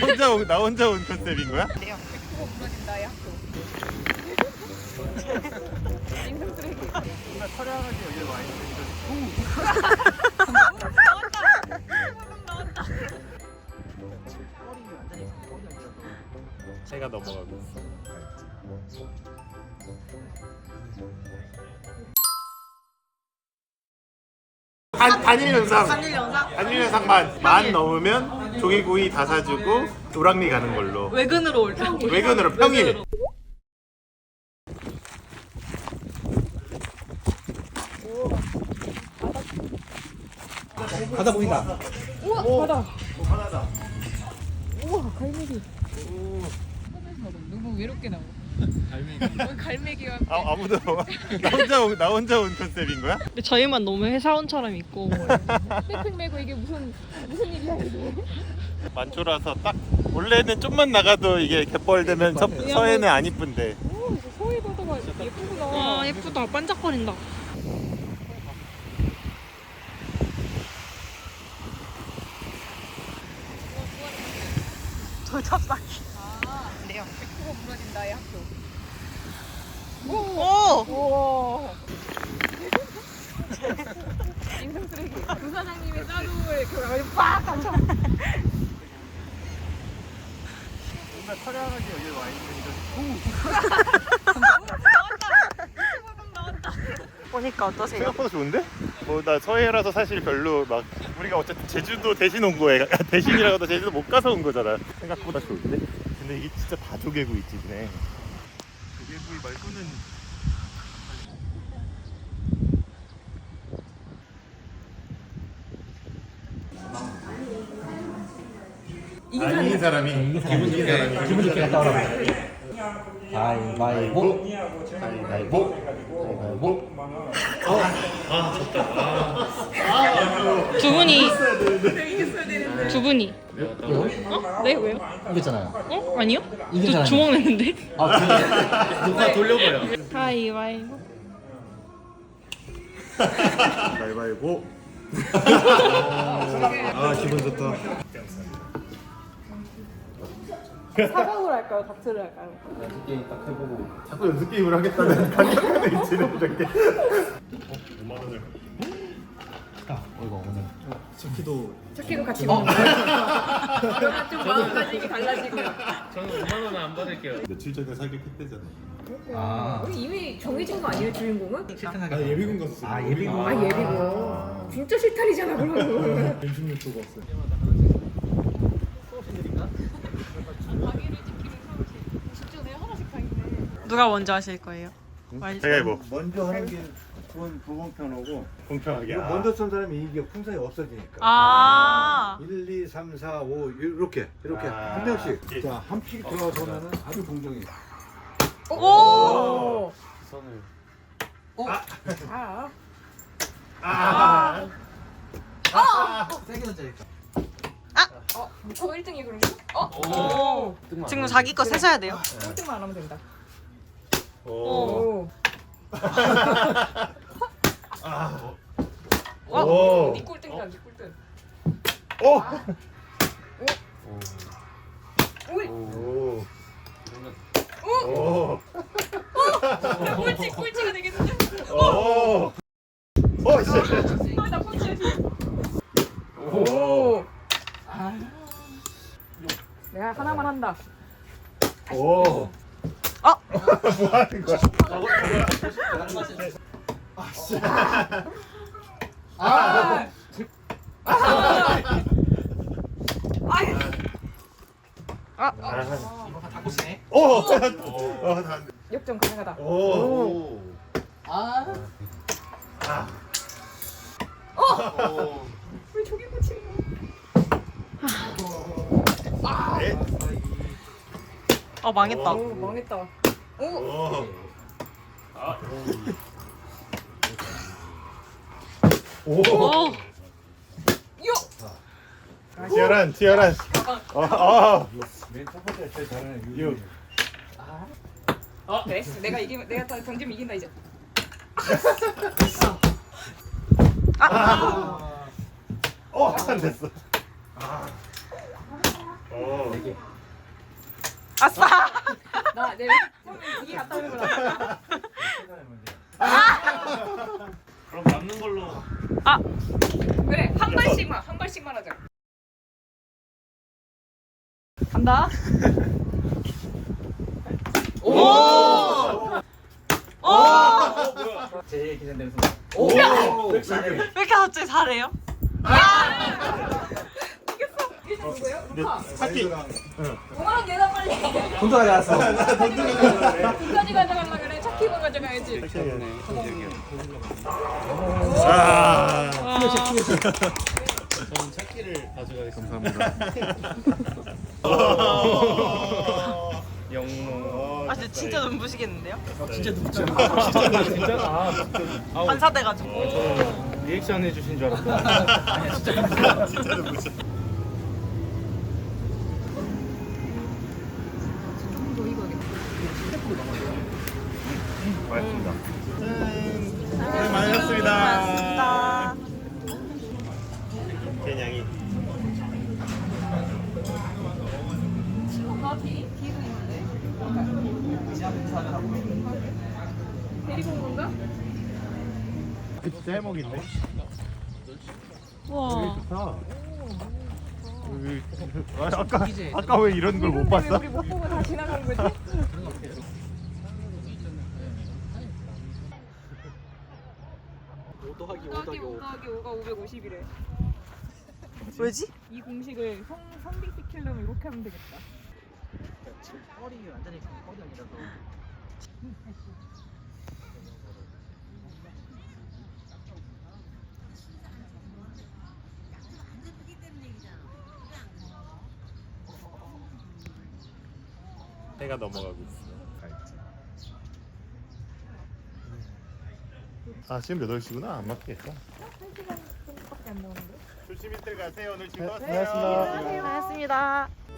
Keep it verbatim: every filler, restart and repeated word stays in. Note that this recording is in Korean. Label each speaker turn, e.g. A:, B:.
A: 혼자 온, 나 혼자 온 컨셉인 거야?
B: 백 퍼센트 무너진 나의 학교. 인성 쓰레기.
A: 정말 촬영하기 여기 와 있는데
B: 나왔다. 나왔다.
A: 해가 넘어가고 있어. 단, 단일 영상
B: 단일 영상?
A: 단일 영상만 만 넘으면 조개구이 다 사주고 우랑리 가는 걸로.
B: 외근으로 올 때.
A: 외근으로 평일.
C: 바다 보인다.
B: 우와
A: 오.
B: 바다.
A: 오, 바다다.
B: 우와 갈매기. 너무 외롭게 나와. 갈매기. 갈매기와.
A: 아, 아무도 나 혼자 온, 나 혼자 온 컨셉인 거야?
D: 근데 저희만 너무 회사원처럼 있고
B: 백팩 메고 이게 무슨 무슨 일이야 이게.
A: 만초라서 딱 원래는 좀만 나가도 이게 갯벌 되면 서, 서해는 안 이쁜데.
B: 오 이거 서해 바다가 예쁘구나.
D: 와 예쁘다 반짝거린다. 돌잡사기.
B: 아 그래요. 백 퍼센트 무너진 나의 학교.
D: 오!
B: 우와. 인성 쓰레기. 부사장님의 짜루에 그 빡 감쳐.
A: 정말 촬영하기 여기 와 있는데
D: 보니까 어떠세요?
A: 생각보다 좋은데? 뭐 나 서해라서 사실 별로 막 우리가 어쨌든 제주도 대신 온 거에 대신이라고도 제주도 못 가서 온 거잖아. 생각보다 좋은데? 근데 이게 진짜 다 조개구이 집이네. 조개구이 말고는 이긴 사람이 이긴 사람이
C: 기분 좋게 갔다 오라고. 가위바위보.
A: 가위바위보. 가위바위보.
D: 두 분이 두 분이 어? 네 왜요?
C: 이겼잖아요.
D: 어? 아니요?
C: 이긴
D: 저
C: 사람이.
D: 주먹 냈는데
C: 아, 그래. 누가 돌려버려.
D: 가위바위보.
A: 가위바위보. 아 기분 좋다.
B: 사각으로 할까요? 다트를 할까요?
C: 게임 딱 해보고.
A: 자꾸 연습 게임을 하겠다는 강력한 의지를 이렇게. 오만 원을.
C: 아, 이거 오늘.
A: 치키도.
B: 차키도 같이 먹는 거야. 그러면 좀 마음가짐이 달라지고.
E: 저는 오만 원은 안 받을게요.
A: 며칠 전에 사격했대잖아.
C: 아.
B: 우리 이미 정해진 거 아니에요 주인공은?
C: 실탄하게.
A: 예비군 갔어.
C: 아, 예비군.
B: 아 예비군. 진짜 실탄이잖아 그러면.
A: 임신육 주고 왔어.
D: 누가 먼저 하실 거예요? 말씀.
A: 제가 뭐
F: 먼저 하는 게 그건 불공평하고
A: 공평하게.
F: 이거 먼저 쏜 사람이 이게 풍선이 없어지니까
D: 아
F: 일, 이, 삼, 사, 오 이렇게 이렇게
A: 아.
F: 한 명씩 자 한 픽 들어서면은 아주 공정해.
D: 오!
E: 선을.
B: 아.
A: 아.
C: 세게 던져야겠다.
B: 어? 저 일 등이 그런 거? 어?
D: 오! 지금 자기 거 세셔야 돼요.
B: 일 등만 안 하면 된다.
A: 오.
B: 오.
A: 아.
D: 어?
A: 오.
B: 니 꼴등이다 니 꼴등.
A: 오.
B: 오이.
A: 오.
B: 오.
A: 오.
B: 꼴찌 꼴찌가 되겠는데?
A: 오. 오. 씨.
B: 아, 나 꼴찌야 지금.
A: 오.
B: 내가 하나만 한다.
A: 오.
D: 어?
A: 뭐 하는 거야? 아, 씨.
B: 아.
D: 아!
C: 이거 다 꽂히네.
A: 오. 어, 다 안 돼.
B: 역전 가능하다.
A: 오.
C: 아.
A: 오.
B: 왜 저기 꽂히는
A: 네.
D: 어 망했다.
B: 거야? 오 망했다. 오.
A: 오. 오.
D: 오!
B: 요.
A: 티아란, 티아란. 어, 어.
F: 맨 첫 번째 제일 잘하는
A: 유.
F: 유리.
B: 그래? 내가 이기면 내가 다 던지면 이긴다 이제.
A: 어, 안 됐어. 아. 어.
C: 네 개.
D: 아싸.
B: 나 내 이게 갔다 오는 거라.
E: 그럼 남는 걸로.
D: 아.
B: 그래 한 발씩만 한 발씩만 하자.
D: 간다.
C: 오!
D: 오.
C: 제 기념되는 순간. 오!
D: 왜 이렇게 갑자기 잘해요?
B: 이게 누구예요?
A: 근데
B: 루카.
A: 사키
B: 오만 원 내놔 빨리.
C: 돈도 가져갔어.
B: 돈까지 가져가려 그래. 차키만 가져가야지.
A: 아.
E: 저는 찾기를 가져가겠습니다. 영롱.
D: 아 근데 진짜 눈부시겠는데요?
C: 진짜 눕죠.
E: 진짜? 아, 아우,
D: 반사돼가지고.
E: 저는 리액션 해주신 줄 알았어요.
C: 아니야 진짜.
A: 진짜로 무슨
B: 더 익어야겠다.
A: 고맙습니다. 네, 많으셨습니다.
D: 고맙습니다.
A: 개냥이.
B: 나 뒤? 뒤도 있는데? 데리고 온 건가?
A: 그 진짜 해먹인데.
D: 와.
A: 좋다. 여기- 아, 아까 아까 왜 이런 걸 못
B: 왜
A: 봤어?
B: 우리 못 보고 다 지나간 거지?
C: 오 더하기 오
B: 오 더하기
C: 더하기
B: 오
C: 오.
B: 더하기 오가 오백오십이래.
D: 왜지?
B: 이 공식을 성, 성립시키려면 이렇게 하면 되겠다.
C: 지금 허리 완전히 허리 아니라서.
A: 해가 넘어가고 있어. 아 지금 몇 시구나? 안 맞겠어.
B: 한 시간 정도밖에 안 나오는데?
A: 조심히들 가세요. 오늘 즐거웠어요.
B: 네, 안녕하세요.
D: 고맙습니다.